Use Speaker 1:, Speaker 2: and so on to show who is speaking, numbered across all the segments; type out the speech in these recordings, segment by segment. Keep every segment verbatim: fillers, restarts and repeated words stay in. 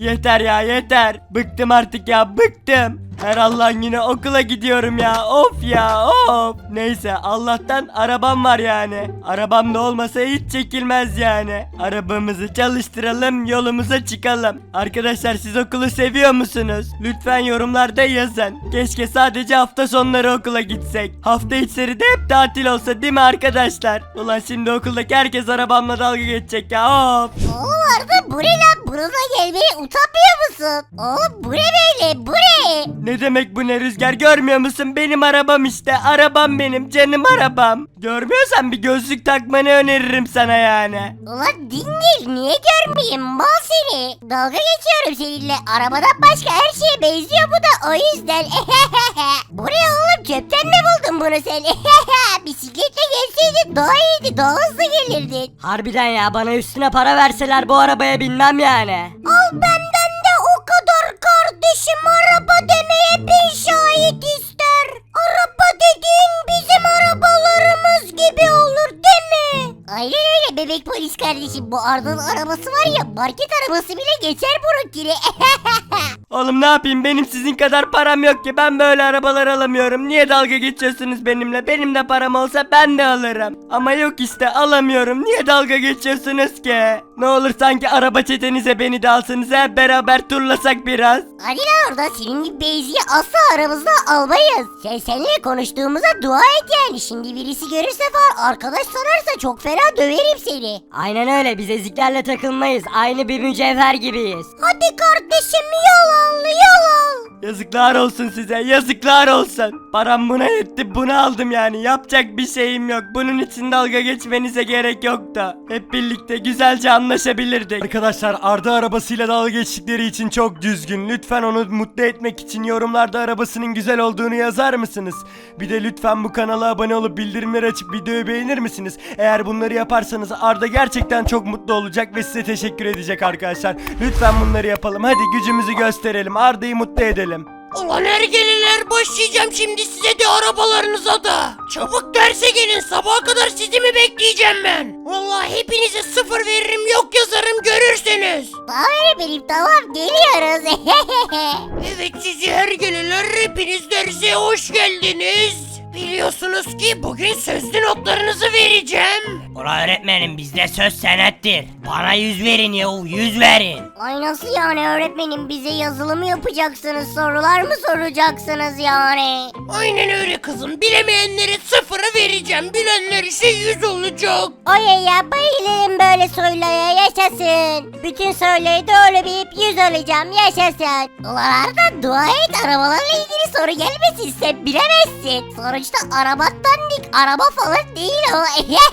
Speaker 1: Yeter ya yeter. Bıktım artık ya bıktım. Her Allah'ın günü okula gidiyorum ya. Of ya of. Neyse Allah'tan arabam var yani. Arabam da olmasa hiç çekilmez yani. Arabamızı çalıştıralım, yolumuza çıkalım. Arkadaşlar siz okulu seviyor musunuz? Lütfen yorumlarda yazın. Keşke sadece hafta sonları okula gitsek. Hafta içleri de hep tatil olsa değil mi arkadaşlar? Ulan şimdi okuldaki herkes arabamla dalga geçecek ya. Of.
Speaker 2: Oğlum Arda bu ne lan? Bununla gelmeye utanmıyor musun? Oğlum bu ne böyle? Bu ne?
Speaker 1: Ne demek bu ne Rüzgar, görmüyor musun? Benim arabam işte, arabam benim, canım arabam. Görmüyorsan bir gözlük takmanı öneririm sana yani.
Speaker 2: Ulan dingil niye görmeyeyim mal seni? Dalga geçiyorum seninle. Arabadan başka her şeye benziyor bu da o yüzden. Bu ne oğlum, çöpten mi buldun bunu sen? Bisikletle gelseydin daha iyiydi, daha hızlı gelirdin.
Speaker 3: Harbiden ya, bana üstüne para verseler bu arabaya binmem yani.
Speaker 2: Al benden de o kadar kardeşim, araba demeye bin şahit ister. Araba dediğin bizim arabalarımız gibi olur değil mi? Aynen öyle bebek polis kardeşim, bu Arda'nın arabası var ya, market arabası bile geçer bununkini.
Speaker 1: Oğlum ne yapayım, benim sizin kadar param yok ki, ben böyle arabalar alamıyorum. Niye dalga geçiyorsunuz benimle? Benim de param olsa ben de alırım. Ama yok işte, alamıyorum. Niye dalga geçiyorsunuz ki? Ne olur sanki araba çetenize beni de alsanız, hep beraber turlasak biraz.
Speaker 2: Hadi lan orada, senin gibi beyziyi asla aramızda almayız. Sen seninle konuştuğumuza dua et yani. Şimdi birisi görürse falan arkadaş sanarsa çok fena döverim seni.
Speaker 3: Aynen öyle, biz eziklerle takılmayız. Aynı bir mücevher gibiyiz.
Speaker 2: Hadi kardeşim yol al yol al.
Speaker 1: Yazıklar olsun size, yazıklar olsun. Param buna yetti, bunu aldım yani. Yapacak bir şeyim yok. Bunun için dalga geçmenize gerek yoktu. Hep birlikte güzelce anlaşabilirdik. Arkadaşlar Arda arabasıyla dalga geçtikleri için çok düzgün. Lütfen onu mutlu etmek için yorumlarda arabasının güzel olduğunu yazar mısınız? Bir de lütfen bu kanala abone olup bildirimleri açıp videoyu beğenir misiniz? Eğer bunları yaparsanız Arda gerçekten çok mutlu olacak ve size teşekkür edecek arkadaşlar. Lütfen bunları yapalım. Hadi gücümüzü gösterelim. Arda'yı mutlu edelim.
Speaker 4: Ulan ergeleler, başlayacağım şimdi size de arabalarınıza da. Çabuk derse gelin, sabaha kadar sizi mi bekleyeceğim ben? Vallahi hepinize sıfır veririm, yok yazarım, görürsünüz.
Speaker 2: Tamam benim, tamam geliyoruz.
Speaker 4: Evet sizi ergeleler, hepiniz derse hoş geldiniz. Biliyorsunuz ki bugün sözlü notlarınızı vereceğim.
Speaker 5: Ulan öğretmenim, bizde söz senettir. Bana yüz verin yahu, yüz verin.
Speaker 2: Ay nasıl yani öğretmenim, bize yazılı mı yapacaksınız, sorular mı soracaksınız yani?
Speaker 4: Aynen öyle kızım, bilemeyenlere sıfırı vereceğim, bilenler ise yüz olacak.
Speaker 2: Ay ya bayılırım böyle sorulara, yaşasın. Bütün soruları doğru bilip yüz alacağım, yaşasın. Ulan Arda dua et, arabalarla ilgili soru gelmesin, sen bilemezsin. Sonuçta araba dandik, araba falan değil o.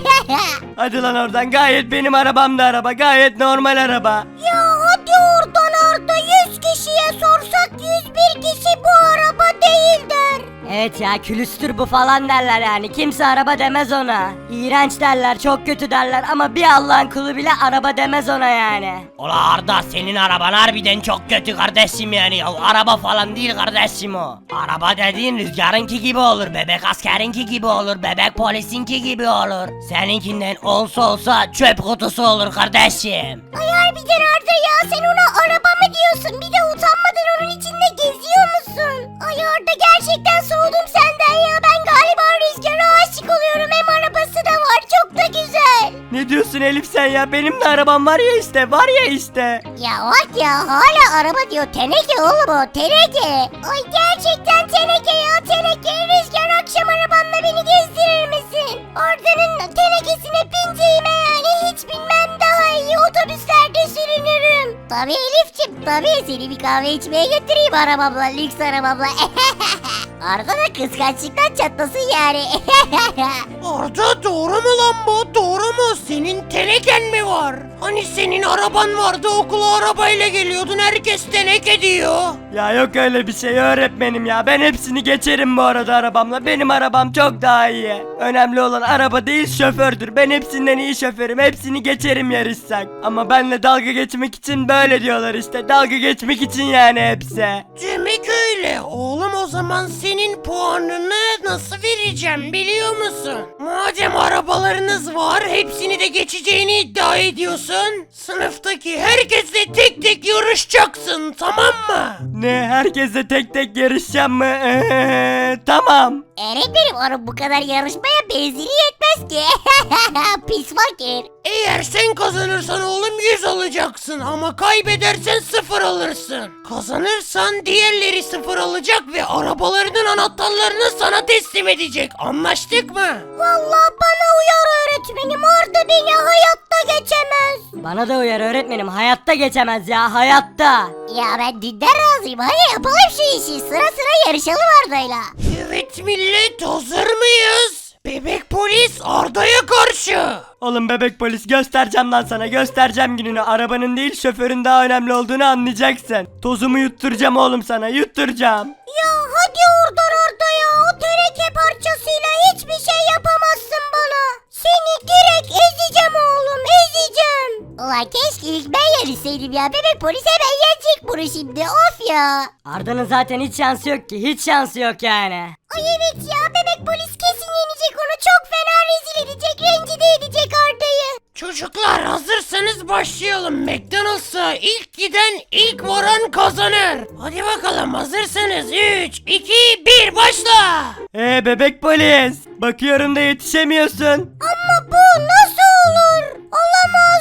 Speaker 1: Hadi lan oradan, gayet benim arabam da araba, gayet normal araba.
Speaker 2: Ya hadi oradan Arda, yüz kişiye sorsak yüz bir kişi bu araba değil der.
Speaker 3: Evet ya, külüstür bu falan derler yani. Kimse araba demez ona. İğrenç derler, çok kötü derler ama bir Allah'ın kulu bile araba demez ona yani.
Speaker 5: Ula Arda, senin araban harbiden çok kötü kardeşim yani ya. Araba falan değil kardeşim o. Araba dediğin Rüzgar'ınki gibi olur, bebek askerinki gibi olur, bebek polisinki gibi olur. Seninkinden olsa olsa çöp kutusu olur kardeşim.
Speaker 2: Ay harbiden Arda ya, sen ona araba mı diyorsun? Bir de utanmadan onun içinde geziyor musun? Ay Arda gerçekten soğudum senden ya, ben galiba Rüzgar'a aşık oluyorum, hem arabası da var, çok da güzel.
Speaker 1: Ne diyorsun Elif sen ya? Benim de arabam var ya işte, var ya işte.
Speaker 2: Ya bak ya, hala araba diyor, teneke oğlum o, teneke. Ay gerçekten teneke ya, teneke. Rüzgar akşam arabanla beni gezdirir misin? Arda'nın tenekesine bineceğime yani hiç bilmem daha iyi, otobüslerde sürünürüm. Tabii Elif'ciğim, tabii seni bir kahve içmeye götüreyim arabamla, lüks arabamla. Arda da kıskançlıktan çatlasın yani.
Speaker 4: Arda doğru mu lan bu? Doğru mu? Senin teneken mi var? Hani senin araban vardı, okula arabayla geliyordun, herkes teneke diyor.
Speaker 1: Ya yok öyle bir şey öğretmenim ya. Ben hepsini geçerim bu arada arabamla. Benim arabam çok daha iyi. Önemli olan araba değil, şofördür. Ben hepsinden iyi şoförüm. Hepsini geçerim yarışsak. Ama benle dalga geçmek için böyle diyorlar işte. Dalga geçmek için yani hepsi.
Speaker 4: Demek öyle. Oğlum o zaman senin puanını nasıl vereceğim biliyor musun? Madem arabalarınız var, var. Hepsini de geçeceğini iddia ediyorsun. Sınıftaki herkesle tek tek yarışacaksın, tamam mı?
Speaker 1: Ne, herkesle tek tek yarışacağım mı? Ee, tamam.
Speaker 2: Öğretmenim onun bu kadar yarışmaya benzini yetmez ki. Pis fakir.
Speaker 4: Eğer sen kazanırsan oğlum yüz alacaksın ama kaybedersen sıfır alırsın. Kazanırsan diğerleri sıfır alacak ve arabalarının anahtarlarını sana teslim edecek. Anlaştık mı?
Speaker 2: Vallahi bana uyar öğretmenim. Arda beni hayatta geçemez.
Speaker 3: Bana da uyar öğretmenim, hayatta geçemez ya, hayatta.
Speaker 2: Ya ben dünden razıyım. Hadi yapalım şu işi. Sıra sıra yarışalım Arda'yla.
Speaker 4: Evet millet, hazır mıyız? Bebek polis Arda'ya karşı.
Speaker 1: Oğlum bebek polis, göstereceğim lan sana, göstereceğim gününü. Arabanın değil şoförün daha önemli olduğunu anlayacaksın. Tozumu yutturacağım oğlum sana, yutturacağım.
Speaker 2: Ya hadi oradan Arda ya. O teneke parçasıyla hiçbir şey yapamazsın bana. Seni direkt ezeceğim oğlum, ezeceğim. Ulan keşke ilk ben yarışsaydım ya. Bebek polis hemen yenecek bunu şimdi. Of ya.
Speaker 3: Arda'nın zaten hiç şansı yok ki, hiç şansı yok yani.
Speaker 2: Ay evet ya, bebek polis kesin yenecek onu. Çok fena rezil edecek, rencide edecek Arda'yı.
Speaker 4: Çocuklar hazırsanız başlayalım. McDonald's'a ilk giden ilk varan kazanır. Hadi bakalım, hazırsanız üç, iki, bir başla.
Speaker 1: Ee bebek polis, bakıyorum da yetişemiyorsun.
Speaker 2: Ama bu nasıl olur? Olamaz,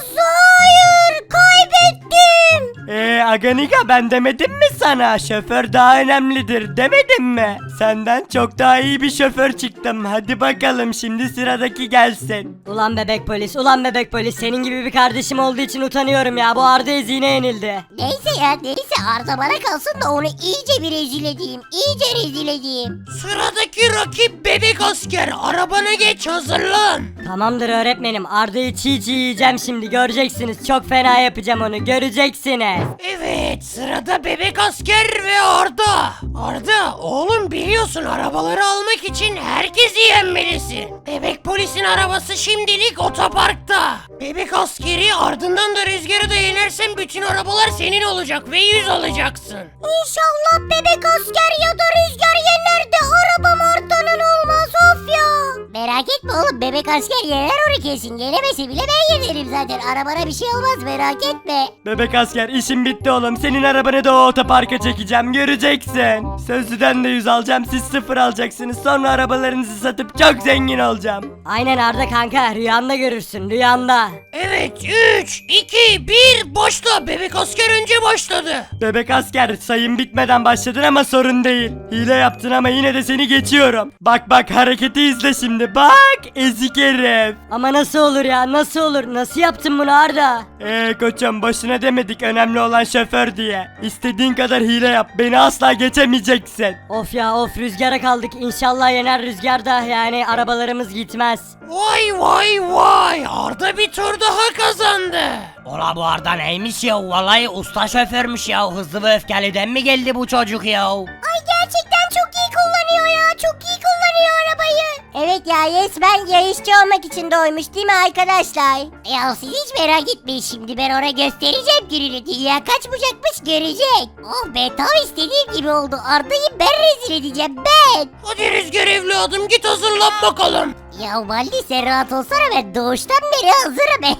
Speaker 2: hayır, kaybettim.
Speaker 1: Ee Aganika, ben demedim mi sana? Şoför daha önemlidir demedim mi? Senden çok daha iyi bir şoför çıktım. Hadi bakalım, şimdi sıradaki gelsin.
Speaker 3: Ulan bebek polis, ulan bebek polis, senin gibi bir kardeşim olduğu için utanıyorum ya, bu Arda ezine yenildi.
Speaker 2: Neyse ya, neyse Arda bana kalsın da onu iyice bir rezil edeyim. İyice rezil edeyim.
Speaker 4: Sıradaki rakip bebek asker. Arabana geç, hazırlan.
Speaker 3: Tamamdır öğretmenim, Arda'yı çiğ çiğ yiyeceğim şimdi, göreceksiniz, çok fena yapacağım onu, göreceksiniz.
Speaker 4: Evet, sırada bebek asker ve Arda. Arda, oğlum biliyorsun arabaları almak için herkesi yenmelisin. Bebek polisin arabası şimdilik otoparkta. Bebek askeri, ardından da Rüzgar'ı da yenersen bütün arabalar senin olacak ve yüz alacaksın.
Speaker 2: İnşallah bebek asker ya da Rüzgar yener de arabam Arda'nın olmaz, of ya. Merak etme oğlum, bebek asker yener onu kesin. Yenemese bile ben yenerim zaten. Arabana bir şey olmaz, merak etme.
Speaker 1: Bebek asker, işim bitti oğlum. Senin arabanı da o otoparka çekeceğim, göreceksin. Sözlüden de yüz alacağım, siz sıfır alacaksınız. Sonra arabalarınızı satıp çok zengin olacağım.
Speaker 3: Aynen Arda kanka, rüyanda görürsün, rüyanda.
Speaker 4: Evet, üç, iki, bir başla. Bebek asker önce başladı.
Speaker 1: Bebek asker, sayın bitmeden başladın ama sorun değil. Hile yaptın ama yine de seni geçiyorum. Bak bak, hareketi izle şimdi, bak ezik herif.
Speaker 3: Ama nasıl olur ya, nasıl olur, nasıl yaptın bunu Arda?
Speaker 1: Eee koçum, boşuna demedik önemli olan şoför diye. İstediğin kadar hile yap, beni asla geçemeyeceksin.
Speaker 3: Of ya of, Rüzgar'a kaldık, İnşallah yener Rüzgar da, yani arabalarımız gitmez.
Speaker 4: Vay vay vay, Arda bir tur daha kazandı.
Speaker 5: Ola bu Arda neymiş ya, vallahi usta şoförmüş ya, hızlı ve öfkeliden mi geldi bu çocuk ya?
Speaker 2: Ay gerçekten çok iyi kullanıyor ya. Çok iyi kullanıyor arabayı. Evet ya, resmen yarışçı olmak için doğmuş değil mi arkadaşlar? Ya siz hiç merak etmeyin, şimdi ben ona göstereceğim gününü. Dünya kaç bucakmış görecek. Oh be, tam istediğim gibi oldu. Arda'yı ben rezil edeceğim, ben.
Speaker 4: Hadi Rüzgar evladım, git hazırlan bakalım.
Speaker 2: Ya Valdi sen rahat olsana, ben doğuştan beri hazırım.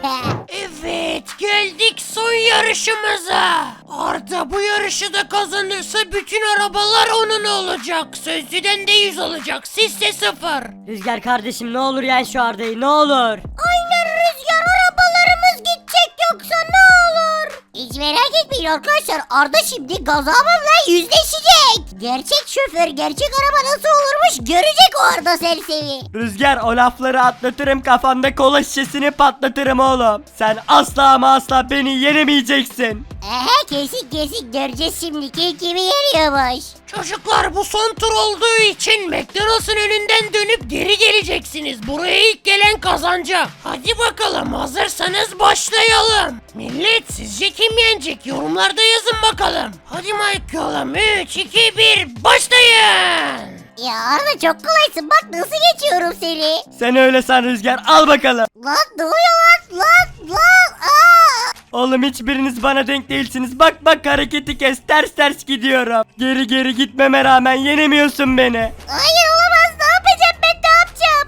Speaker 4: Evet, geldik son yarışımıza. Arda bu yarışı da kazanırsa bütün arabalar onun olacak. Sözlüden de yüz alacak, sizse sıfır.
Speaker 3: Rüzgar kardeşim, ne olur yen şu Arda'yı, ne olur.
Speaker 2: Aynen Rüzgar, arabalarımız gidecek yoksa ne olur? Hiç merak etmeyin arkadaşlar, Arda şimdi gazabımla yüzleşecek. Gerçek şoför gerçek araba nasıl olurmuş görecek o Arda serseri.
Speaker 1: Rüzgar, o lafları atlatırım, kafanda kola şişesini patlatırım oğlum. Sen asla ama asla beni yenemeyeceksin.
Speaker 2: Ehe, kesin kesin göreceğiz şimdi kim kimi yeniyormuş.
Speaker 4: Çocuklar, bu son tur olduğu için McDonald's'ın önünden dönüp geri geleceksiniz. Buraya ilk gelen kazanacak. Hadi bakalım, hazırsanız başlayalım. Millet, sizce kim yenecek? Yorumlarda yazın bakalım. Hadi bakalım, üç, iki, bir başlayın.
Speaker 2: Ya Arda çok kolaysın, bak nasıl geçiyorum seni.
Speaker 1: Sen öyle san Rüzgar, al bakalım.
Speaker 2: Lan ne oluyor lan lan lan aa.
Speaker 1: Oğlum hiçbiriniz bana denk değilsiniz. Bak bak, hareketi kes, ters ters gidiyorum. Geri geri gitmeme rağmen yenemiyorsun beni.
Speaker 2: Hayır olamaz, ne yapacağım ben, ne yapacağım?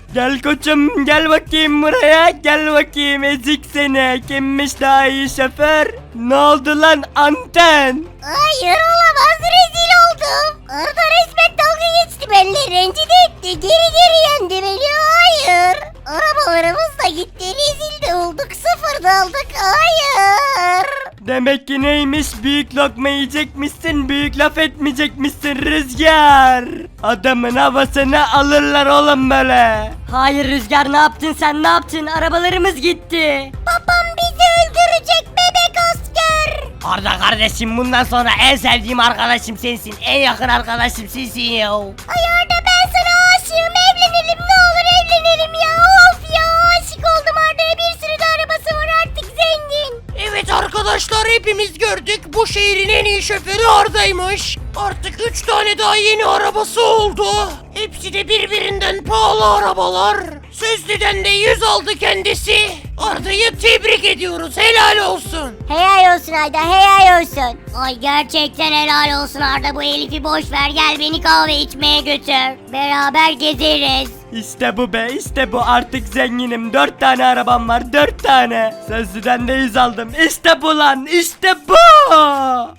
Speaker 1: Gel koçum gel bakayım buraya, gel bakayım ezik seni. Kimmiş daha iyi şoför? Ne oldu lan anten?
Speaker 2: Hayır olamaz, rezil oldum. Arda resmen dalga geçti benimle, rencide etti. Geri geri yendi beni, hayır. Arabalarımız da gitti, rezil de olduk, sıfır da aldık, hayır.
Speaker 1: Demek ki neymiş, büyük lokma yiyecekmişsin, büyük laf etmeyecekmişsin Rüzgar. Adamın havasını alırlar oğlum böyle.
Speaker 3: Hayır Rüzgar, ne yaptın sen, ne yaptın? Arabalarımız gitti.
Speaker 2: Babam bizi öldürecek bebek asker.
Speaker 5: Arda kardeşim, bundan sonra en sevdiğim arkadaşım sensin. En yakın arkadaşım sensin ya.
Speaker 2: Ay Arda, ben sana aşığım, evlenelim ne olur, evlenelim ya. Of ya, aşık oldum Arda'ya, bir sürü de arabası var, artık zengin.
Speaker 4: Evet arkadaşlar, hepimiz gördük. Bu şehrin en iyi şoförü Arda'ymış. Artık üç tane daha yeni arabası oldu. Hepsi de birbirinden pahalı arabalar. Sözlüden de yüz aldı kendisi. Arda'yı tebrik ediyoruz. Helal olsun.
Speaker 2: Helal olsun Arda, helal olsun. Ay gerçekten helal olsun Arda, bu Elif'i boş ver, gel beni kahve içmeye götür. Beraber gezeriz.
Speaker 1: İşte bu be, işte bu, artık zenginim. Dört tane arabam var, dört tane. Sözlüden de yüz aldım. İşte bu lan, işte bu.